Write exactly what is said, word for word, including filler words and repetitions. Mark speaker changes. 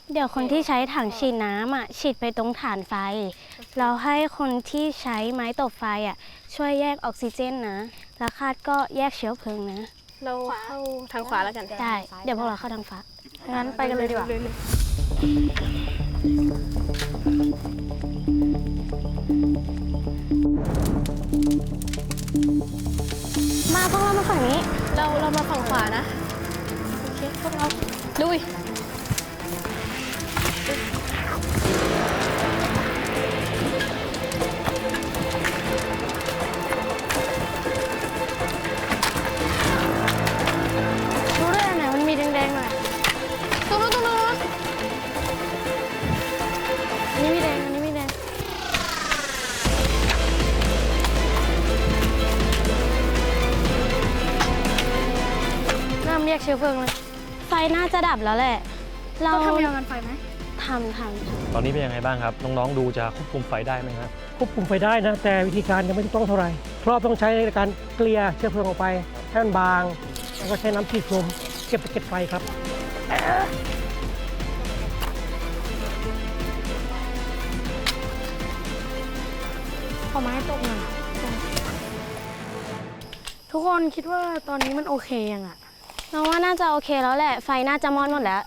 Speaker 1: เดี๋ยวคนที่ใช้ถังฉีดน้ำอ่ะฉีดไปตรงฐานไฟเราให้คนที่ใช้ไม้ตบไฟอ่ะช่วยแยกออกซิเจนนะแล้วคาดก็แยกเชื้อเพลิงนะ
Speaker 2: เราเข้าทางขวาแล้วกัน
Speaker 1: ได้เดี๋ยวพวกเราเข้าทางฟ้า
Speaker 2: งั้นไปกันเลยดีกว่า
Speaker 1: มาพวกเรามาฝั่งนี้
Speaker 2: เราเรามาฝั่งขวานะ โอเคพวกเราลุย
Speaker 1: ดูด้วยอันไหนมันมีแดงๆหน่อย
Speaker 2: ตรงนู้นตรงนู้น
Speaker 1: อันนี้มีแดงอันนี้มีแดงน้ำเรียกเชื้อเพลิงเลยไฟน่าจะดับแล้วแหละ เรา
Speaker 2: ต้องทำยากันไฟไหม
Speaker 1: ทำทำ
Speaker 3: ตอนนี้เป็นยังไงบ้างครับ น้องๆดูจะควบคุมไฟได้ไหมครับ
Speaker 4: ควบคุมไฟได้นะ แต่วิธีการยังไม่ถูกต้องเท่าไหร่เพราะต้องใช้ในการเกลี่ยเชื้อเพลิงออกไปให้มันบาง แล้วก็ใช้น้ำฉีดลมเก็บตะเก็ดไฟครับ
Speaker 1: ขอไม้ตกหน่อยทุกคนคิดว่าตอนนี้มันโอเคยังอะเราว่าน่าจะโอเคแล้วแหละ ไฟน่าจะมอดหมดแล้ว